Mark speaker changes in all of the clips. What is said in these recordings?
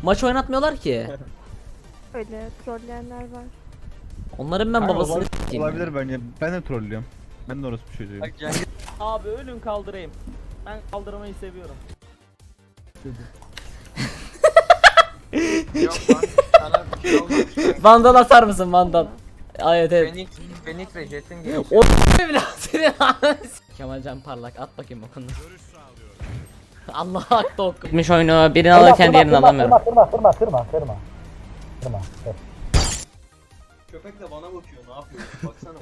Speaker 1: Maç oynatmıyorlar ki.
Speaker 2: Öyle trolleyenler var.
Speaker 1: Onların ben
Speaker 3: Kanka,
Speaker 1: babasını s**eyim.
Speaker 3: olabilir bence. Ben de trollüyorum. Ben de orası bir çocuğuyum.
Speaker 4: Abi ölün kaldırayım. Ben kaldırmayı seviyorum.
Speaker 5: Yok lan sana bir şey olmamış.
Speaker 1: Vandal atar mısın vandal? Ay, evet.
Speaker 5: Fenix ve Jet'in gibi.
Speaker 1: O evlat seni. Kemalcan Parlak at bakayım okunu. Allah hakta okumuş oyunu. Birini alırken diğerini alamıyorum.
Speaker 6: Kırma.
Speaker 7: Köpek de bana bakıyor, ne yapıyor? Baksana.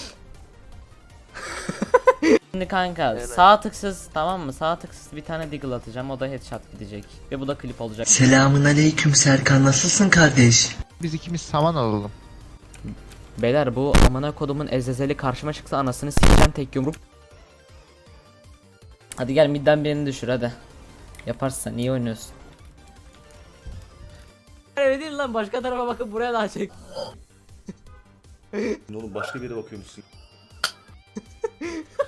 Speaker 1: Şimdi kanka sağ tıksız, tamam mı? Sağ tıksız bir tane deagle atacağım, o da headshot gidecek. Ve bu da klip olacak.
Speaker 8: Selamun aleyküm Serkan, nasılsın kardeş?
Speaker 9: Biz ikimiz saman alalım.
Speaker 1: Beyler bu amına kodumun ezezeli karşıma çıksa anasını sikeceğim tek yumruk. Hadi gel midden birini düşür hadi. Yaparsın, iyi oynuyorsun. Öyle değil lan, başka tarafa bakıp buraya daha çek.
Speaker 10: Oğlum başka bir yere bakıyormuşsun.